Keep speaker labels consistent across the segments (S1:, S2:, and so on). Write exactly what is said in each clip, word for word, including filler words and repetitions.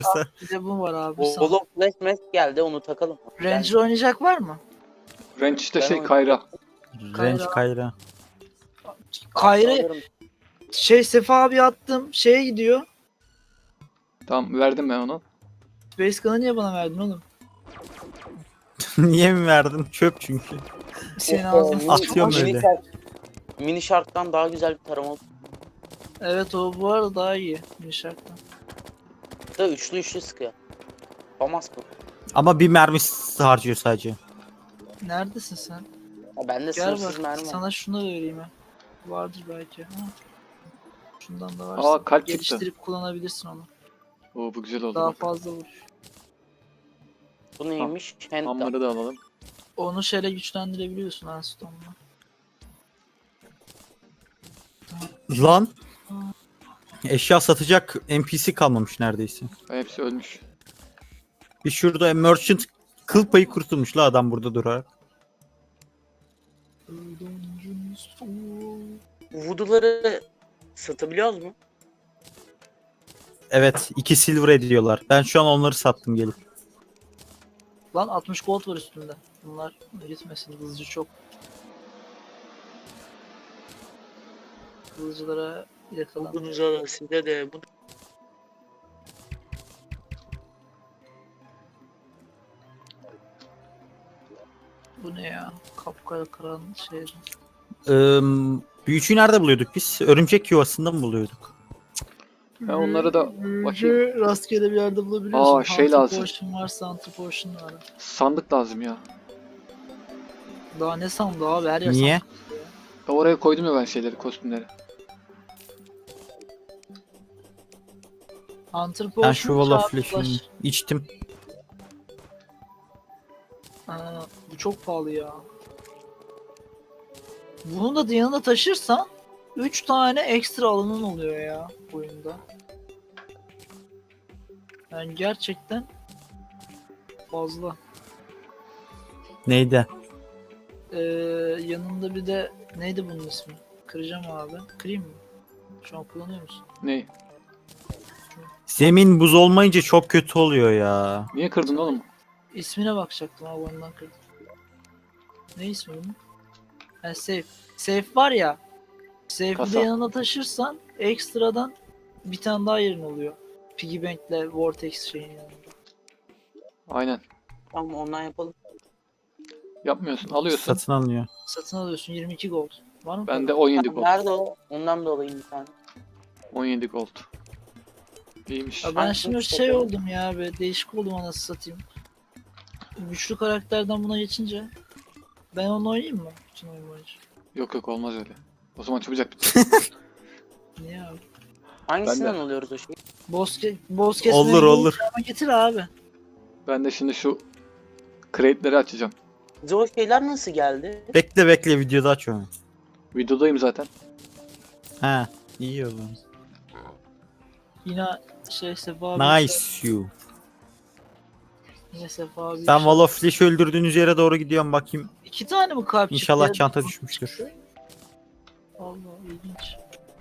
S1: Bir de bu var abi. sana.
S2: Wall of Flash Mask geldi, onu takalım.
S1: Ranger oynayacak var mı?
S3: Range işte
S2: Ben
S3: şey
S2: onu-
S3: Kayra.
S4: Range Kayra.
S1: Kayra
S2: Alırım.
S1: şey Sefa abi attım. Şeye gidiyor.
S3: Tamam verdim ben onu.
S1: Space Gun'ı niye bana verdin oğlum?
S4: Niye mi verdin? Çöp çünkü.
S1: Senin
S2: Ee,
S1: ağzın
S2: mini-
S4: Atıyorum
S2: mini
S4: öyle.
S2: Shark- Mini Shark'tan daha güzel bir tarama oldu.
S1: Evet o bu arada daha iyi. Nişaktan.
S2: Da üçlü üçlü sıkıyor. Famas bu.
S4: Ama bir mermisi harcıyor sadece.
S1: Neredesin sen?
S2: Ya bende
S1: Gel
S2: sınırsız
S1: bak
S2: mermi var.
S1: sana şunu da vereyim ha. Vardır belki. Ha. Şundan da varsa
S3: Aa, kalp çıktı.
S1: geliştirip kullanabilirsin onu.
S3: Oo bu güzel oldu.
S1: Daha
S3: bak.
S1: fazla vur.
S2: Bu neymiş? Handgun.
S3: Hammer'ı da alalım.
S1: Onu şeyle güçlendirebiliyorsun Hearthstone'la.
S4: Lan. Eşya satacak N P C kalmamış neredeyse.
S3: Hepsi ölmüş.
S4: Bir şurada merchant kıl payı kurtulmuş la adam burada durarak.
S2: Voodoo'ları satabiliyoruz mu?
S4: Evet iki silver ediyorlar. Ben şu an onları sattım gelip.
S1: Lan altmış gold var üstünde. Bunlar gitmesin hızlıca çok. Hızlıcılara yakalan.
S2: Voodoo'lar size de bu.
S1: Bu ne ya? Kapkara kıran şey.
S4: Ee, büyücüyü nerede buluyorduk biz? Örümcek yuvasında mı buluyorduk?
S3: Ben onları da bakayım.
S1: Rastgele bir yerde bulabiliyorsun.
S3: Aa, şey
S1: Hunter
S3: lazım.
S1: Potion varsa Hunter Potion var.
S3: Sandık lazım ya.
S1: Daha ne sandı abi her yer
S4: Niye?
S1: sandık.
S3: Ya oraya koydum ya ben şeyleri, kostümleri.
S1: Hunter
S4: Ben
S1: Potion
S4: şu Wall of
S1: çağrı
S4: Flash'ını
S1: flash.
S4: içtim.
S1: Aa, bu çok pahalı ya. Bunu da yanında taşırsan üç tane ekstra alanın oluyor ya oyunda. Yani gerçekten fazla.
S4: Neydi?
S1: Ee, yanında bir de neydi bunun ismi? Kıracağım abi. Kırayım mı? Şu an kullanıyor musun?
S3: Ney?
S4: Zemin buz olmayınca çok kötü oluyor ya.
S3: Niye kırdın oğlum?
S1: İsmine bakacaktım abi ondan kırdım. Ne ismi bunun? Ha, safe. Safe var ya. Safe'i de
S3: Kasa.
S1: yanına taşırsan ekstradan bir tane daha yerin oluyor. Piggy Bank'le Vortex şeyin yanında.
S3: Aynen.
S2: Tamam, ondan yapalım.
S3: Yapmıyorsun. Alıyorsun.
S4: Satın alınıyor.
S1: Satın alıyorsun yirmi iki gold. Var mı?
S3: Bende on yedi gold.
S2: Nerede o? Ondan da alayım bir tane.
S3: on yedi gold. İyiymiş.
S1: Ya ben
S2: Ben
S1: şimdi
S2: çok
S1: şey
S2: seviyorum.
S1: oldum ya be değişik oldum anasını satayım. Güçlü karakterden buna geçince ben onu oynayayım mı? Bütün oyun boyunca.
S3: Yok yok olmaz öyle. O zaman çabucak bitir.
S1: Niye abi?
S2: Hangisinden
S3: Ben de.
S2: alıyoruz o şeyi?
S1: Boss, ke boss kesmeye
S4: Olur olur.
S1: ama getir abi.
S3: Ben de şimdi şu crate'leri açacağım.
S2: Bize o şeyler nasıl geldi?
S4: Bekle bekle videoda aç onu.
S3: Videodayım zaten.
S4: Ha iyi o zaman.
S1: Yine şey Sefa abi.
S4: Nice you.
S1: Yine Sefa abi.
S4: Ben Wall of Flash öldürdüğünüz yere doğru gidiyorum bakayım.
S1: İki tane mi kalp çıktı?
S4: İnşallah
S1: ya?
S4: çanta düşmüştür.
S1: Allah ilginç.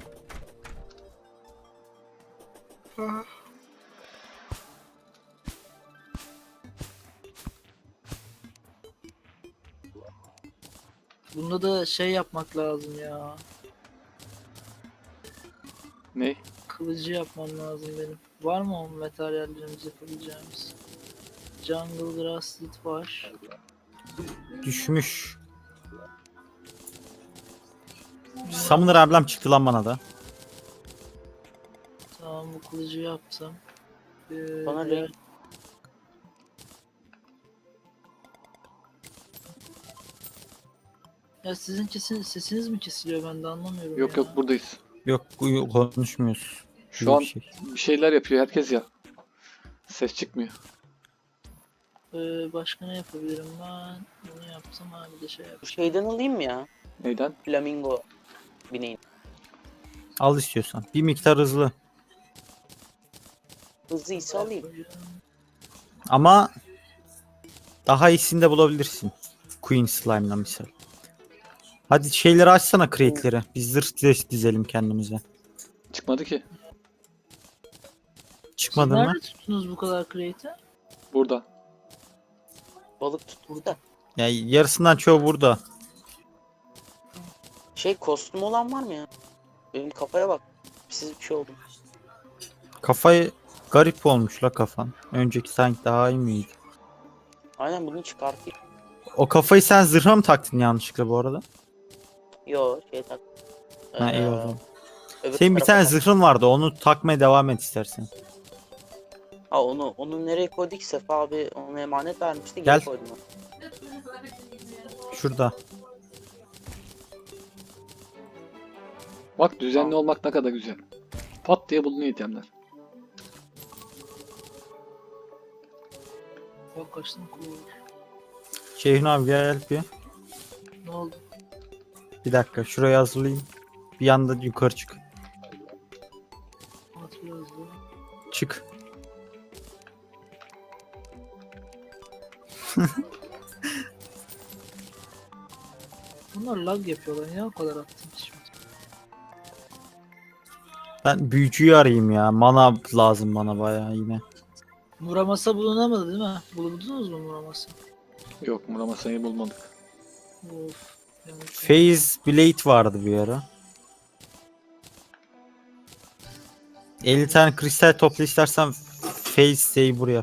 S1: Bunda da şey yapmak lazım ya.
S3: Ne?
S1: Kılıcı yapmam lazım benim. Var mı o materyallerimiz yapabileceğimiz? Jungle Grass Lead var.
S4: Düşmüş. Summoner emblem çıktı lan bana da.
S1: Tamam bu kılıcı yaptım. Ee,
S2: Bana
S1: diğer-
S2: renk-
S1: Ya sizin kesin sesiniz mi kesiliyor ben de anlamıyorum
S3: Yok
S1: ya.
S3: yok buradayız.
S4: Yok bu- konuşmuyoruz.
S3: Şu
S4: Yok
S3: an
S4: bir şey.
S3: bir şeyler yapıyor herkes ya. Ses çıkmıyor.
S1: Ee, başka ne yapabilirim ben? Bunu yaptım ha bir de şey yap.
S2: Bu şeyden alayım mı ya?
S3: Neyden?
S2: Flamingo bineğin.
S4: Al istiyorsan. Bir miktar hızlı.
S2: Hızlıysa alayım.
S4: Ama daha iyisini de bulabilirsin. Queen Slime'la misal. Hadi şeyleri açsana crate'leri. Biz zırh diz- dizelim kendimize.
S3: Çıkmadı ki.
S1: Siz
S4: Çıkmadın mı?
S1: nerede tuttunuz bu kadar crate'i?
S3: Burada.
S2: Balık tuttuk da.
S4: Ya yarısından çoğu burada.
S2: Şey kostüm olan var mı ya? Benim kafaya bak. Siz bir şey oldu.
S4: Kafayı garip olmuş la kafan. Önceki sanki daha iyi miydi?
S2: Aynen bunu çıkartayım.
S4: O kafayı sen zırha mı taktın yanlışlıkla bu arada?
S2: Yo şey tak.
S4: Ha iyi o
S2: Ee,
S4: zaman.
S2: öbür
S4: Senin bir
S2: tarafa
S4: tane
S2: tak.
S4: zırhın vardı, onu takmaya devam et istersen.
S2: Ha onu onu nereye koyduk? Sefa abi ona emanet vermişti.
S4: Gel.
S2: Geri koydum onu.
S4: Şurada.
S3: Bak düzenli olmak ne kadar güzel. Pat diye bulunuyor itemler.
S1: Yok kaçtım cool.
S4: Şeyhun abi gel bir.
S1: Ne oldu?
S4: Bir dakika şurayı hazırlayayım. Bir yanda yukarı çık.
S1: Hatırlıyoruz ya.
S4: Çık.
S1: Bunlar lag yapıyorlar. Niye o kadar attım şimdi?
S4: Ben büyücüyü arayayım ya. Mana lazım bana bayağı yine.
S1: Muramasa bulunamadı değil mi? Buldunuz mu Muramasa?
S3: Yok Muramasa'yı bulmadık.
S1: Of. yanlış oldu.
S4: Phase Blade vardı bir ara. elli tane kristal topla istersen Phase Saber yap.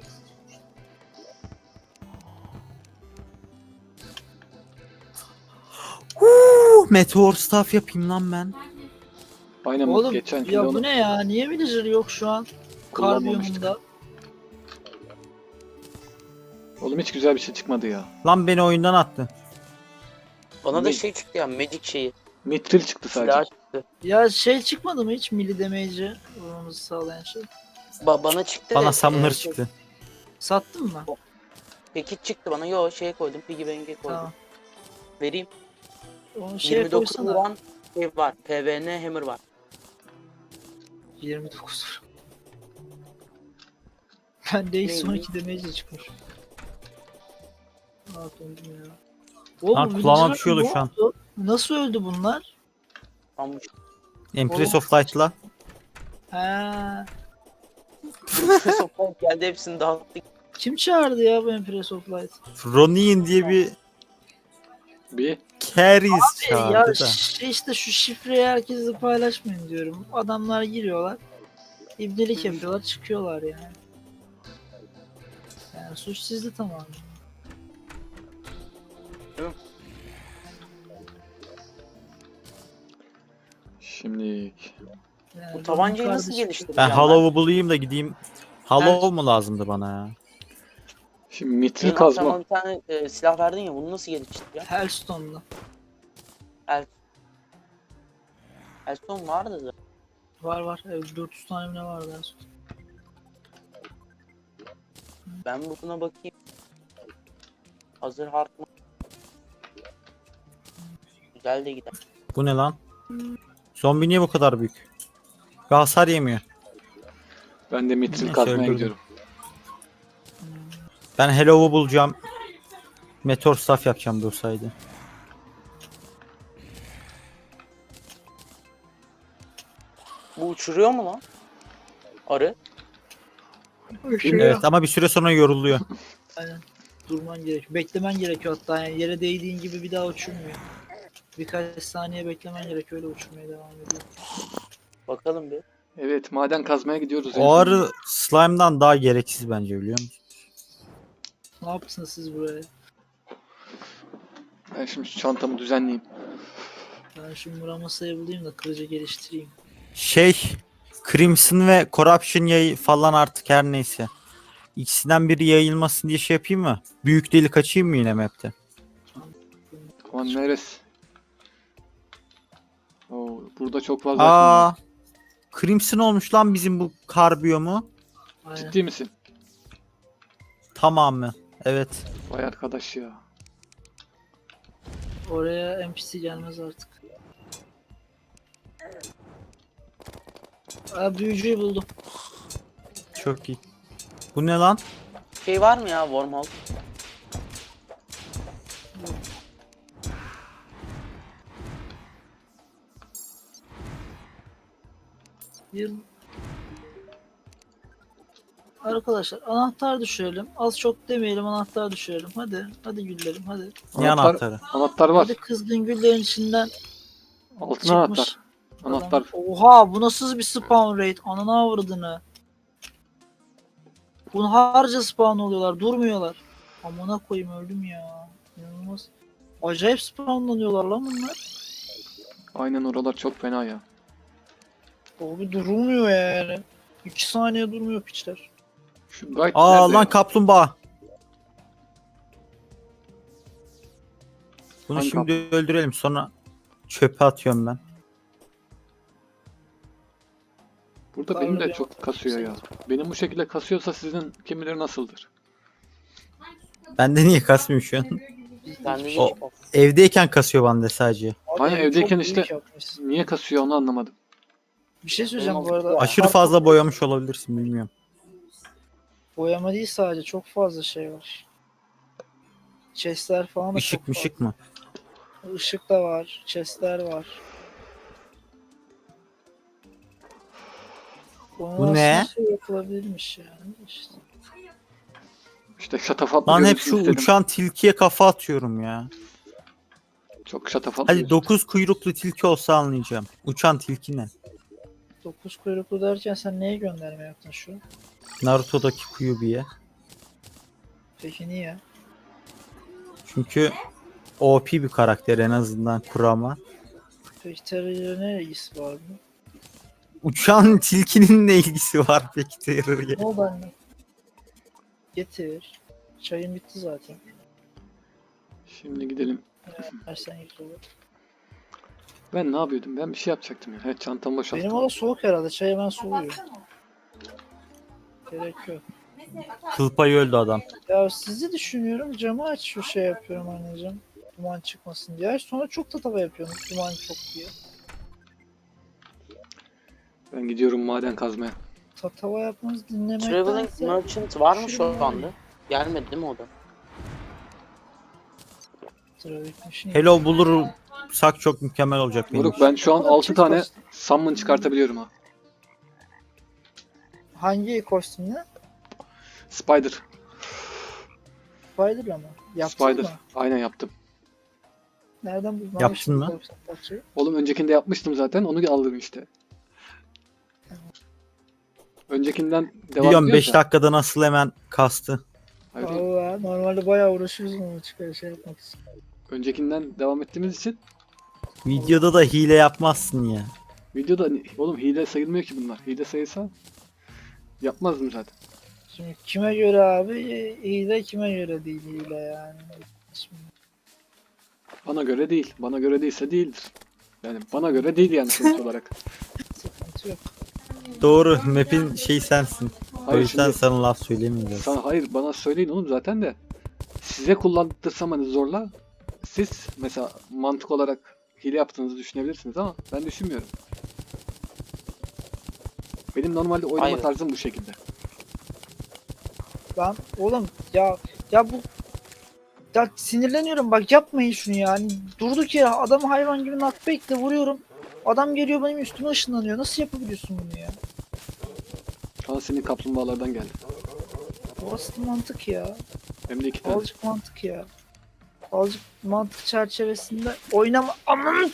S4: Huu, Meteor Staff yapayım lan ben.
S3: Aynen bu
S1: Oğlum
S3: geçen
S1: ya
S3: kilo
S1: bu
S3: onu
S1: ne ya? Niye villager yok şu an? Kar
S3: kullanmamıştık.
S1: biyomunda.
S3: Oğlum hiç güzel bir şey çıkmadı ya.
S4: Lan beni oyundan attı.
S2: Bana da
S3: Ne?
S2: şey çıktı ya Magic şeyi.
S3: Mitril çıktı sadece.
S2: Silah çıktı.
S1: Ya şey çıkmadı mı hiç melee damage'i vurmamızı sağlayan şey?
S2: Ba bana çıktı.
S4: Bana
S2: ve,
S4: Summoner
S2: e,
S4: çıktı.
S1: Sattın mı?
S2: Peki çıktı bana. Yo şeye koydum. Piggy bank'e koydum.
S1: Tamam.
S2: Vereyim.
S1: Onu şeye
S2: yirmi dokuz
S1: koysana.
S2: vuran şey var. P V N Hammer var.
S1: yirmi dokuz. Ben de
S2: Neymiş?
S1: son iki damage'le çıkmış. Ne yapayım ya? Oğlum
S4: Lan
S1: bu
S4: kulağıma
S1: villager'lar
S4: bir şey oldu
S1: ne
S4: şu an.
S1: oldu? Nasıl öldü bunlar?
S2: Almış.
S4: Empress
S1: Oğlum.
S4: of Light'la.
S1: Ha,
S2: Sokak geldi hepsini dağıttık.
S1: kim çağırdı ya bu Empress of Light?
S4: Ronin diye bir
S3: Bir
S4: Keris
S1: ya
S4: çağırdı da.
S1: şey işte şu şifreyi herkesle paylaşmayın diyorum. Adamlar giriyorlar. İbnelik yapıyorlar çıkıyorlar yani. Yani suç sizde tamamen.
S3: şimdi
S1: Yani
S2: Bu tabancayı
S1: benim
S2: nasıl
S1: kardeşim-
S2: geliştireceğim
S4: Ben Hollow'u bulayım da gideyim. Hollow mu lazımdı bana ya?
S3: şimdi mitril
S2: Benim
S3: kazma.
S2: akşama bir tane e, silah verdin ya. Bunu nasıl geliştireceğim?
S1: Hellstone'da.
S2: Elstone vardı da.
S1: Var var. Evet, dört yüz tane mi ne vardı Hellstone.
S2: Ben buna bakayım. Hazır hard mı? Güzel de gider.
S4: Bu ne lan? Zombi niye bu kadar büyük? Ve hasar yemiyor.
S3: Ben de mitril
S4: Neyse,
S3: kazmaya
S4: öldürdüm.
S3: gidiyorum.
S4: Ben Hollow'u bulacağım. Meteor Staff yapacağım dursaydı.
S2: Bu uçuruyor mu lan? Arı.
S4: Evet ama bir süre sonra yoruluyor.
S1: Aynen. Durman gerekiyor. Beklemen gerekiyor hatta yani yere değdiğin gibi bir daha uçurmuyor. Birkaç saniye beklemen gerekiyor öyle uçurmaya devam ediyor.
S2: Bakalım bir.
S3: Evet maden kazmaya gidiyoruz. en
S4: O
S3: sonunda.
S4: arı slime'dan daha gereksiz bence biliyor musun?
S1: Ne yapsınız siz buraya?
S3: Ben şimdi şu çantamı düzenleyeyim.
S1: Ben şu Muramasa'yı bulayım da kılıcı geliştireyim.
S4: Şey Crimson ve Corruption yayı falan artık her neyse. İkisinden biri yayılmasın diye şey yapayım mı? Büyük delik açayım mı yine map'te?
S3: Aman neresi? Oo, burada çok fazla item var.
S4: Aa, Crimson olmuş lan bizim bu kar biyomu.
S1: Aynen.
S3: Ciddi misin?
S4: Tamamı. Evet.
S3: Vay arkadaş ya.
S1: Oraya N P C gelmez artık. Aa, büyücüyü buldum.
S4: Çok iyi. Bu ne lan?
S2: Şey var mı ya wormhole?
S1: Yıl. Arkadaşlar anahtar düşürelim. Az çok demeyelim, anahtar düşürelim. Hadi. Hadi güllerim hadi.
S4: Ne
S3: Anahtar-
S4: anahtarı?
S3: Anahtar var.
S1: Hadi kızgın güllerin içinden
S3: Altın
S1: çıkmış.
S3: anahtar.
S1: adam.
S3: Anahtar.
S1: Oha, bu nasıl bir spawn rate? Ananı avradını. Bunu harca spawn oluyorlar. Durmuyorlar. Amına koyayım, öldüm ya. İnanılmaz. Acayip spawnlanıyorlar lan bunlar.
S3: Aynen, oralar çok fena ya.
S1: Abi durulmuyor yani. iki saniye durmuyor piçler.
S3: Şu guide
S4: Aa
S3: nerede
S4: lan
S3: ya?
S4: kaplumbağa. Bunu
S3: Hangi
S4: şimdi öldürelim, sonra çöpe atıyorum ben.
S3: Burada
S1: Tanrı
S3: benim de
S1: bir
S3: çok kasıyor ya. Benim bu şekilde kasıyorsa sizin kimileri nasıldır?
S4: Bende niye kasmıyor şu an?
S2: Ben de
S4: O- Evdeyken kasıyor bende sadece.
S1: Abi
S3: Aynen,
S1: evi
S3: evdeyken
S1: çok
S3: işte-
S1: büyük yapmışsın.
S3: Niye kasıyor onu anlamadım.
S1: Bir şey söyleyeceğim bu
S2: Benim
S1: arada.
S4: Aşırı fazla boyamış olabilirsin, bilmiyorum.
S1: Boyama değil sadece, çok fazla şey var. Chestler falan da
S4: Işık
S1: çok
S4: mışık mı?
S1: fazla. Işık da var, chestler var.
S4: Bu ne?
S1: Şey yapılabilirmiş yani işte.
S3: İşte şatafatlı
S4: Lan hep
S3: görünsün
S4: şu
S3: istedim.
S4: uçan tilkiye kafa atıyorum ya.
S3: Çok şatafatlı
S4: Hadi
S3: gözüksün.
S4: dokuz kuyruklu tilki olsa anlayacağım. Uçan tilki ne?
S1: Dokuz kuyruklu derken sen neye gönderme yaptın şu an?
S4: Naruto'daki Kyuubi'ye.
S1: Peki niye?
S4: Çünkü O P bir karakter, en azından Kurama.
S1: Peki terörle ne ilgisi var mı?
S4: Uçan tilkinin ne ilgisi var peki terörle?
S1: Ne oldu anne? Getir. Çayın bitti zaten.
S3: Şimdi gidelim.
S1: Versen git olur.
S3: Ben ne yapıyordum? Ben bir şey yapacaktım ya. Evet, çantamı boşalttım.
S1: Benim o soğuk herhalde. Çay hemen soğuyor. Gerek yok.
S4: Kıl payı öldü adam.
S1: Ya sizi düşünüyorum, camı aç şu şey yapıyorum anneciğim. Duman çıkmasın diye. Sonra çok tatava yapıyorum duman çok diye.
S3: Ben gidiyorum maden kazmaya.
S1: Tatava yapmanızı
S2: Traveling
S1: dinlemektense
S2: Merchant var mı şu
S1: Şuraya-
S2: anda? Gelmedi değil mi o da?
S1: trafik machine-
S4: Hello bulursak çok mükemmel olacak benim
S3: Moruk,
S4: için.
S3: ben şu an
S1: Oğlum,
S3: altı
S1: çift
S3: tane
S1: kostüm.
S3: summon çıkartabiliyorum ha.
S1: Hangi kostümle?
S3: Spider.
S1: Spider'la mı? Yaptın
S3: Spider.
S1: mı?
S3: Aynen yaptım.
S1: Nereden buldun?
S4: Yaptın mı?
S3: Oğlum öncekinde yapmıştım zaten. Onu aldım işte. Öncekinden devam
S4: Biliyorum
S3: ediyorsa-
S4: beş dakikada nasıl hemen kastı.
S3: Hayır oğlum.
S1: Valla normalde bayağı uğraşıyoruz onu çıkar şey yapmak için.
S3: Öncekinden devam ettiğimiz için
S4: Videoda da hile yapmazsın ya.
S3: videoda oğlum hile sayılmıyor ki bunlar. Hile sayılsa yapmazdım zaten.
S1: Şimdi kime göre abi hile, kime göre değil hile yani. Şimdi
S3: Bana göre değil. Bana göre değilse değildir. Yani bana göre değil yani sonuç olarak.
S1: sıkıntı yok.
S4: Doğru, map'in şey sensin. O
S3: Hayır
S4: yüzden
S3: şimdi
S4: sana laf söylemiyoruz.
S3: sana, hayır bana söyleyin oğlum zaten de. Size kullandırsam hani zorla. Siz mesela mantık olarak hile yaptığınızı düşünebilirsiniz ama ben düşünmüyorum. Benim normalde oynama
S2: Hayır.
S3: tarzım bu şekilde.
S1: Ben oğlum ya ya bu ya sinirleniyorum bak, yapmayın şunu yani. Durduk yere adamı hayvan gibi knockback'le vuruyorum. Adam geliyor benim üstüme ışınlanıyor. Nasıl yapabiliyorsun bunu ya?
S3: Aa, senin kaplumbağalardan geldi.
S1: Burası mantık ya.
S3: Hem de iki tane.
S1: Azıcık mantık ya. Azıcık mantık çerçevesinde oynama. Aman!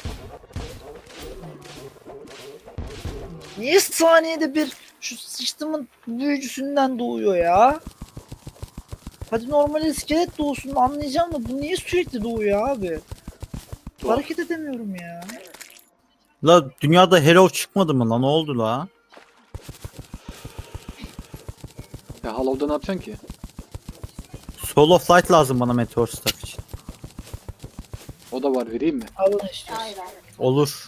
S1: Niye saniyede bir şu sıçtımın büyücüsünden doğuyor ya? Hadi normal iskelet doğsun anlayacağım da bu niye sürekli doğuyor abi?
S3: Doğal.
S1: Hareket edemiyorum ya.
S4: La dünyada Hello çıkmadı mı lan, ne oldu la?
S3: Ya Hollow'da ne yapacaksın ki?
S4: Solo flight lazım bana Meteor Staff için.
S3: O da var, vereyim mi?
S1: Alın istiyorsun.
S4: Olur.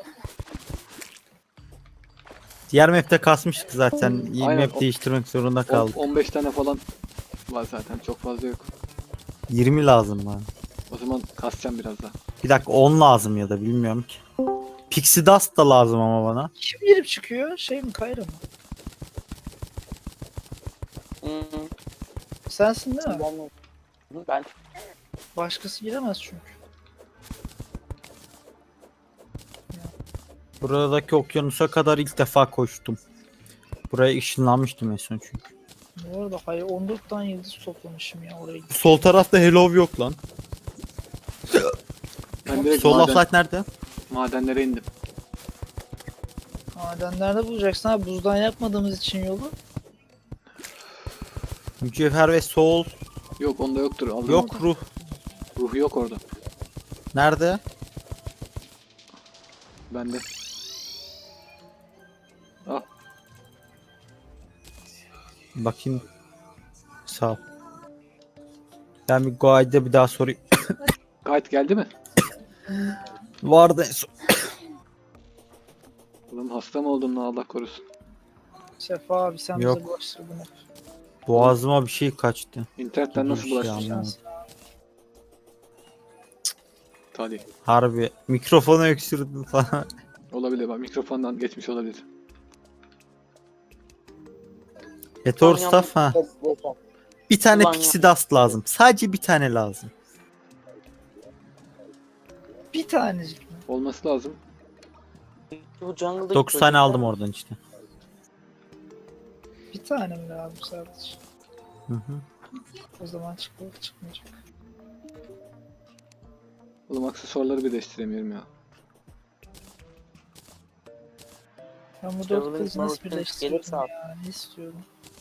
S4: Diğer map'te kasmıştık zaten. Yeni
S3: Aynen,
S4: map
S3: o-
S4: değiştirmek zorunda
S3: On-
S4: kaldık.
S3: on beş tane falan var zaten. Çok fazla yok.
S4: yirmi lazım bana.
S3: O zaman kasacağım biraz daha.
S4: Bir dakika, on lazım ya da bilmiyorum ki. Pixie Dust da lazım ama bana.
S1: Kim girip çıkıyor? Şey mi, Kayra mı?
S2: Hmm,
S1: Sensin değil mi?
S2: ben- ben
S1: Başkası giremez çünkü.
S4: Buradaki okyanusa kadar ilk defa koştum. Buraya ışınlanmıştım en son çünkü.
S1: Bu arada hayır on dört tane yıldız toplamışım ya oraya.
S4: Sol tarafta Hello yok lan.
S3: Ben direkt
S4: Sol
S3: maden,
S4: offlight nerede?
S3: madenlere indim.
S1: Madenlerde bulacaksın abi buzdan yapmadığımız için yolu.
S4: Mücevher ve soul
S3: Yok onda yoktur. Aldım
S4: yok,
S3: orada.
S4: ruh.
S3: Ruhu yok orada.
S4: Nerede?
S3: Bende. Ah
S4: Bakayım. Sağ ol. Ben bir guide'de bir daha sorayım.
S3: gayet geldi mi?
S4: Vardı en son.
S3: Oğlum hasta mı oldun lan Allah korusun.
S1: Sefa abi sen
S4: Yok.
S1: bize bulaştırdın hep.
S4: Boğazıma bir şey kaçtı.
S3: İnternetten nasıl
S4: Bir şey
S3: bulaştın?
S4: anlamadım.
S1: Şans.
S3: Hadi.
S4: Harbi. Mikrofonu öksürdüm falan.
S3: Olabilir bak mikrofondan geçmiş olabilir.
S4: Meteor staff ha. Bir tane
S2: Ulan
S4: pixie
S2: ya.
S4: dust lazım. Sadece bir tane lazım.
S1: Bir tanecik mi?
S3: Olması lazım.
S2: Bu jungle'daki
S4: dokuz tane
S2: çocuklar-
S4: aldım oradan işte.
S1: Bir tane mi lazım sadece?
S4: Hı hı.
S1: O zaman çıkıyor çıkmayacak.
S3: Oğlum aksesuarları birleştiremiyorum ya.
S1: Ben bu dört
S2: Traveling
S1: kızı nasıl
S2: Mountain
S1: birleştirdim
S2: gelirse al.
S1: ya? Ne istiyorum?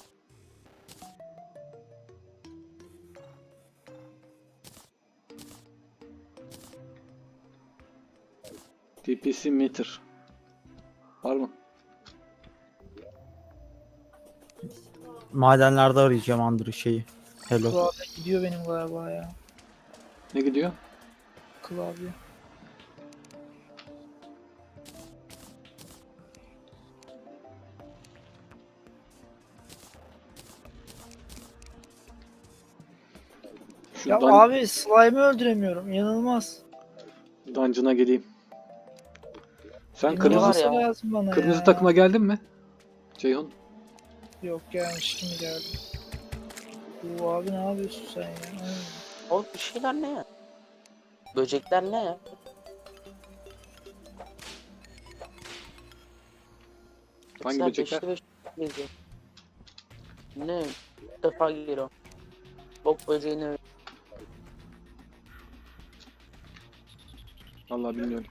S3: T P C meter. Var mı?
S4: Madenlerde arayacağım Andrew şeyi. Hello.
S1: Klavye gidiyor benim galiba ya.
S3: Ne gidiyor?
S1: Klavye.
S3: Şu
S1: Ya
S3: dan-
S1: abi slime'ı öldüremiyorum. İnanılmaz.
S3: dungeon'a geleyim. Sen
S1: Yine
S3: kırmızı
S2: var
S1: olması
S2: ya.
S1: lazım bana
S3: kırmızı
S1: ya.
S3: takıma geldin mi? Ceyhun.
S1: Yok gelmiş kimi geldi. Bu abi ne yapıyorsun sen ya? Ay.
S2: Oğlum bir şeyler ne ya? Böcekler ne ya?
S3: Hangi
S2: Sen
S3: böcekler?
S2: beşli beş geziyor. Ne? Bir defa geliyor. Bok böceğini
S3: Vallahi bilmiyorum.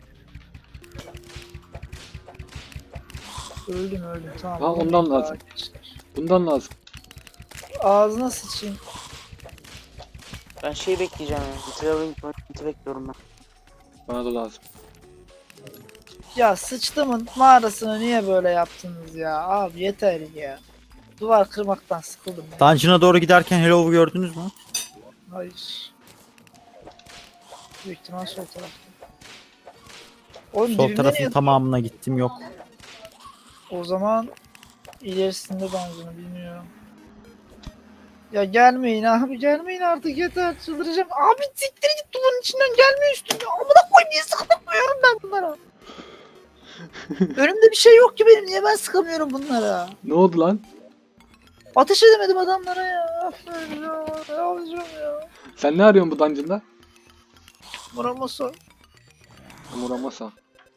S1: Öldüm öldüm tamam.
S3: Ha,
S1: Öldüm
S3: ondan
S1: daha
S3: lazım.
S1: gençler.
S3: Bundan lazım.
S1: Ağzına sıçayım.
S2: ben şey bekleyeceğim yani. Traveling Mountain'i bekliyorum ben.
S3: Bana da lazım.
S1: Ya sıçtımın mağarasını niye böyle yaptınız ya? Abi yeter ya. Duvar kırmaktan sıkıldım ya.
S4: Dungeon'a doğru giderken Hello'u gördünüz mü?
S1: Hayır. Büyük ihtimal sol tarafta. Oğlum
S4: Sol
S1: dibimde
S4: tarafın
S1: niye-
S4: tamamına gittim yok.
S1: O zaman ilerisinde dungeon'ı bilmiyorum. Ya gelmeyin abi gelmeyin artık yeter çıldıracağım. Abi siktir git duvarın içinden gelme üstüme. Amına koy niye sıkamıyorum ben bunlara? Önümde bir şey yok ki benim niye ben sıkamıyorum bunlara?
S3: Ne oldu lan?
S1: Ateş edemedim adamlara ya. Aferin ya. Ne yapacağım ya?
S3: Sen ne arıyorsun bu dungeon'da?
S1: Muramasa.
S3: Muramasa.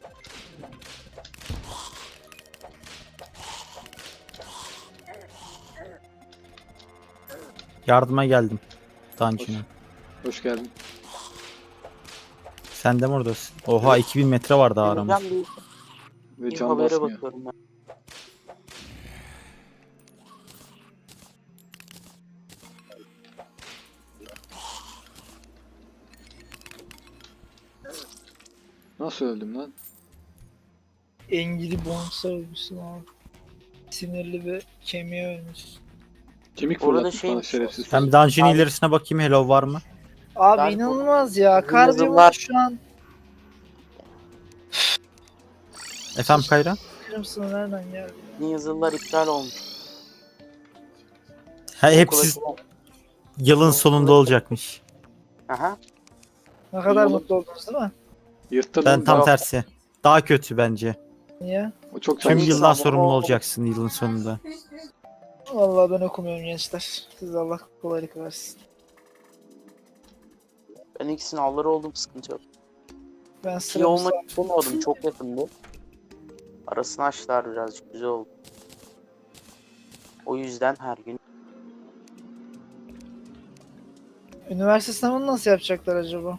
S4: Yardıma geldim. Dungeon'a.
S3: Hoş geldin.
S4: Sen de mi oradasın? Oha iki bin metre var daha aramız.
S2: Geleceğim bir,
S3: Ve
S2: bir
S3: can
S2: habere
S3: basmıyor.
S2: bakıyorum ben.
S3: Nasıl öldüm lan?
S1: Engili bonsa ölmüşsün abi. Sinirli bir kemiğe ölmüş.
S3: Kemik
S2: Orada
S3: fırlatmış bana
S2: şeymiş,
S3: şerefsiz.
S4: Sen bir dungeon'ın
S2: Abi-
S4: ilerisine bakayım Hello var mı?
S1: Abi
S2: Ben-
S1: inanılmaz ya.
S2: Bu
S1: Karbon
S2: yazılar-
S1: şu an
S4: Efendim Kayra?
S1: kırmızı nereden geldi?
S2: Yeni yazılılar iptal olmuş.
S4: Ha, hepsi
S2: Okula-
S4: yılın sonunda olacakmış.
S2: Aha.
S1: Ne kadar
S3: Oğlum.
S1: mutlu oldunuz değil mi?
S3: Yırttın
S4: Ben
S3: oğlum.
S4: tam
S2: Yok.
S4: tersi. Daha kötü bence.
S1: Niye?
S3: O çok
S4: Tüm
S3: çabuk.
S2: iyi.
S4: yıldan
S2: Tabii.
S4: sorumlu olacaksın yılın sonunda.
S1: Vallahi ben okumuyorum gençler. Siz Allah kolaylık versin.
S2: Ben ilk sınavları oldum sıkıntı yok.
S1: Ben
S2: İyi
S1: sıramı
S2: olmak istemiyordum çok yakındı. Arasını açtılar birazcık güzel oldu. O yüzden her gün
S1: Üniversite sınavını nasıl yapacaklar acaba?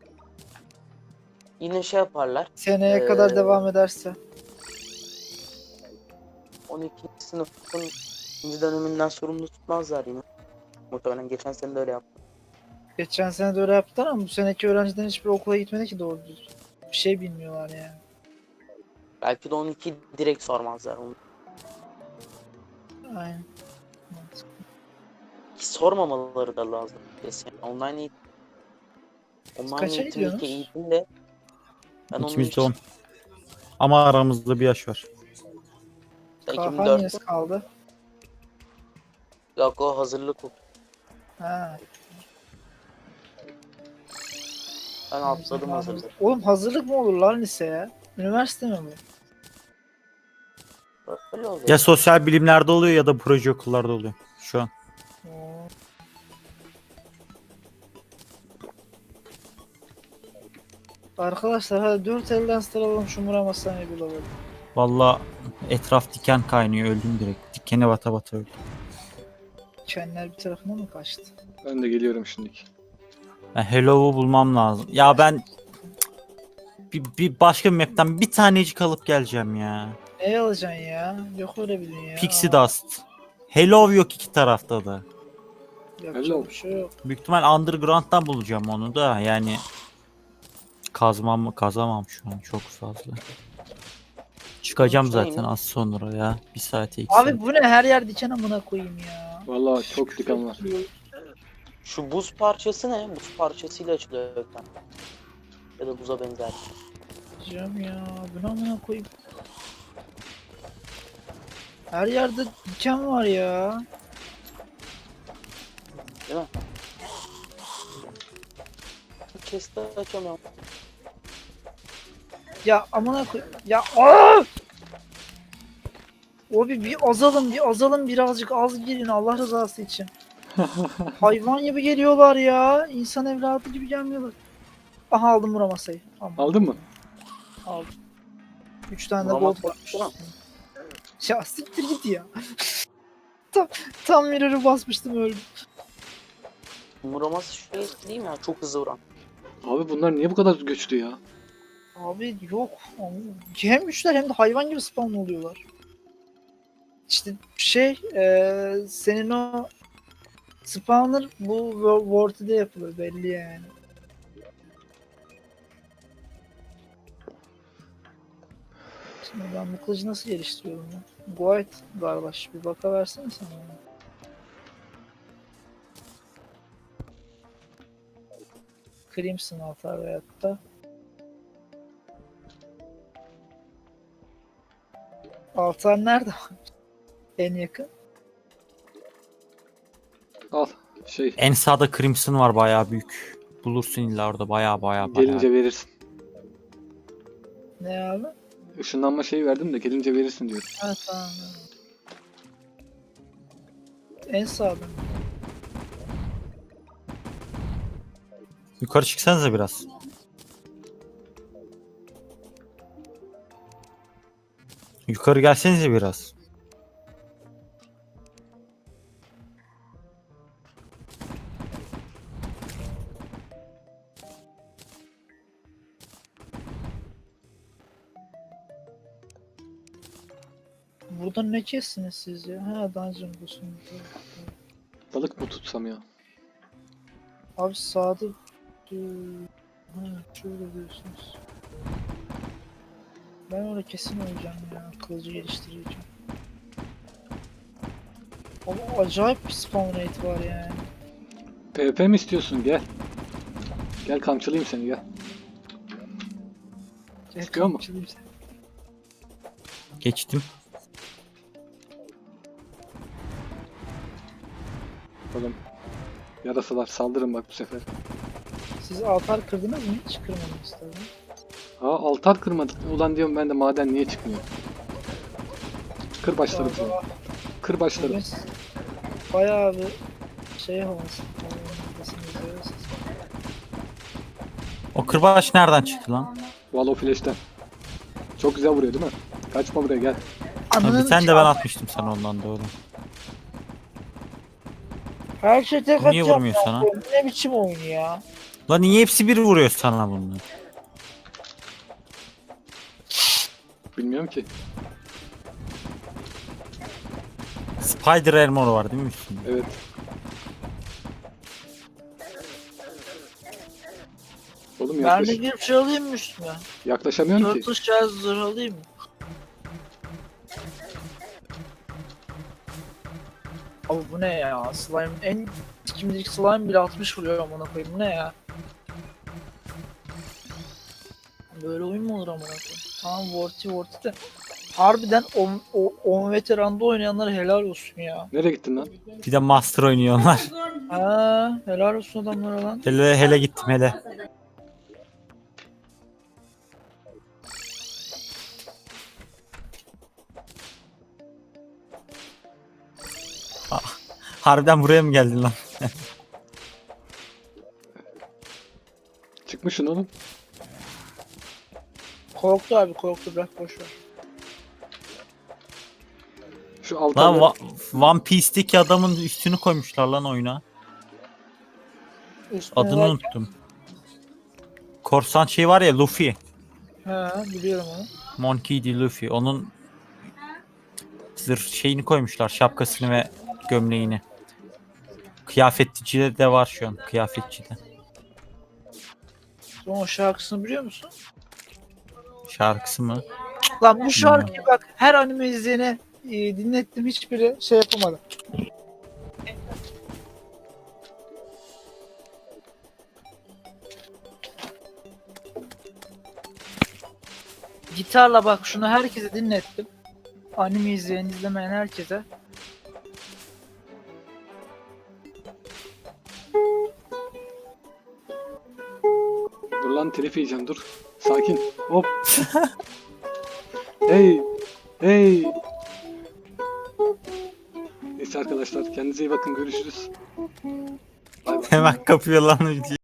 S2: yine şey yaparlar.
S1: Seneye
S2: Ee,
S1: kadar devam ederse.
S2: on ikinci sınıfın ikinci döneminden sorumlu tutmazlar yine. Muhtemelen geçen sene de öyle yaptı.
S1: Geçen sene de öyle yaptılar ama bu seneki öğrencilerin hiçbir okula gitmedi ki doğru düzgün. Bir şey bilmiyorlar yani.
S2: Belki de on iki direkt sormazlar onu.
S1: Aynen.
S2: Ki sormamaları da lazım. Kesin. Online eğitim. Online
S1: kaça
S2: eğitimdeki
S1: gidiyorsunuz?
S2: eğitim de ben onun
S4: İkimiz de
S2: için
S4: on. Ama aramızda bir yaş var.
S1: Kahve
S2: iki bin dört
S1: hangisi kaldı?
S2: yok o hazırlık o.
S1: Ha.
S2: Ben atladım hazırlık.
S1: Oğlum hazırlık mı olur lan liseye? Üniversite mi bu?
S2: Öyle oluyor.
S4: Ya sosyal bilimlerde oluyor ya da proje okullarda oluyor şu an.
S1: Oo. Arkadaşlar hadi dört elden sıralalım şu Muram Hastane'yi bulalım.
S4: Valla etraf diken kaynıyor, öldüm direkt. Dikene bata bata öldüm.
S1: Kenler bir tarafına mı kaçtı?
S3: Ben de geliyorum şimdiki.
S4: Ben Hello'u bulmam lazım. Ya ben bir, bir başka bir map'ten bir tanecik alıp geleceğim ya.
S1: Ne alacaksın ya? Yok öyle bir dünya.
S4: Pixie Dust. Hello yok iki tarafta da.
S1: Yapacak
S3: Hello.
S1: bir şey yok.
S4: Büyük ihtimal Underground'dan bulacağım onu da yani kazmam mı kazamam şu an çok fazla. Çıkacağım
S2: Şey mi?
S4: zaten az sonra ya. Bir saate iki saat.
S1: Abi bu ne her yer diken amına koyayım ya.
S3: Vallahi çok diken var.
S2: Şu buz parçası ne? Buz parçasıyla açılıyor gökten. Ya da buza benzer.
S1: Diyeceğim ya. Bu ne amına koyayım. Her yerde diken var ya.
S2: Değil mi? Chest'i açamıyorum.
S1: Ya amına koy. Ya aa! Abi bir azalın bir azalın birazcık az girin Allah rızası için. Hayvan gibi geliyorlar ya. İnsan evladı gibi gelmiyorlar. Aha aldım Murat masayı. Aman,
S3: Aldın mı?
S1: aldım. Üç tane de
S2: Murat
S1: gold
S2: masayı
S1: varmış.
S2: değil mi?
S1: Ya siktir git ya. tam tam mirror'ı basmıştım öldüm.
S2: Muraması şey değil mi ya? Çok hızlı vuran.
S3: Abi bunlar niye bu kadar güçlü ya?
S1: Abi yok. Hem güçler hem de hayvan gibi spawn oluyorlar. İşte şey eee senin o spawner bu World'de yapılır belli yani. Şimdi ben bu kılıcı nasıl geliştiriyorum ya? Guide kardeş bir bakaversene sen bana. Crimson atar veyahut da altar nerede? En yakın.
S3: Al şey
S4: En sağda Crimson var bayağı büyük. Bulursun illa orada bayağı bayağı bayağı.
S3: gelince verirsin.
S1: Ne abi?
S3: Işınlanma şeyi verdim de gelince verirsin diyorum.
S1: Ha tamam. En sağda.
S4: Yukarı çıksanıza biraz. Yukarı gelsenize biraz.
S1: Burada ne kestiniz siz ya? Ha dungeon boss'un.
S3: Balık mı tutsam ya?
S1: Abi sağda Dur. Ha şöyle diyorsunuz. Ben orada kesin olacağım ya. Kılıcı geliştireceğim. Ama acayip bir spawn rate var yani.
S3: PvP mi istiyorsun? Gel. Gel kamçılayayım seni gel. Çıkıyor mu?
S1: Kamçılayım seni.
S4: Geçtim.
S3: Oğlum. Yarasalar saldırın bak bu sefer.
S1: Siz altar kırdınız mı? Hiç kırmadınız tabii.
S3: Aa altar kırmadık. Ulan diyorum ben de maden niye çıkmıyor? Kır başlarım seni.
S1: Vallahi
S3: Kır başlarım.
S1: bugün bayağı bir şey havası. Havasınız.
S4: O kırbaç nereden çıktı lan?
S3: Wall of Flash'ten. Çok güzel vuruyor değil mi? Kaçma buraya gel.
S4: Ha,
S1: Ananı
S4: bir tane de ben atmıştım sana ondan doğru.
S1: Her şey tek
S4: Bu niye
S1: atacağım.
S4: vurmuyor sana?
S1: Bu ne biçim oyun ya?
S4: Lan niye hepsi bir vuruyor sana bunlar?
S3: Bilmiyorum ki.
S4: Spider Armor var değil mi üstünde?
S3: Evet. Oğlum
S1: Ben
S3: yaklaş
S1: de girip şey alayım mı üstüne?
S3: yaklaşamıyorum ki.
S1: Turtle Shell zırh alayım mı? Abi bu ne ya? Slime en kimlik slime bile altmış vuruyor amına koyayım. Bu ne ya? Böyle oyun mu olur amına koyayım? Tamam Vorti Vorti de. Harbiden on veteranda oynayanlara helal olsun ya.
S3: Nereye gittin lan?
S4: Bir de Master oynuyorlar.
S1: Ha, helal olsun adamlara lan.
S4: hele hele gittim hele. Ah, harbiden buraya mı geldin lan?
S3: Çıkmışsın oğlum.
S1: Korktu abi korktu bırak boşver.
S3: Şu altta
S4: Lan Wa- One Piece'teki adamın üstünü koymuşlar lan oyuna.
S1: Üstüne
S4: Adını
S1: bak-
S4: unuttum. Korsan şey var ya, Luffy.
S1: Ha biliyorum onu.
S4: Monkey D. Luffy. Onun zırh şeyini koymuşlar. Şapkasını ve gömleğini. Kıyafetçide de var şu an. Kıyafetçide.
S1: Sen o şarkısını biliyor musun?
S4: Şarkısı mı?
S1: Lan bu şarkıyı bak her anime izleyene e, dinlettim hiçbiri şey yapamadı. Gitarla bak şunu herkese dinlettim. Anime izleyen izlemeyen herkese.
S3: dur lan telif yiyeceğim dur. Sakin. Hop. Hey. Hey. Neyse arkadaşlar kendinize iyi bakın görüşürüz. Bay bay.
S4: Hemen kapıyor lan videoyu.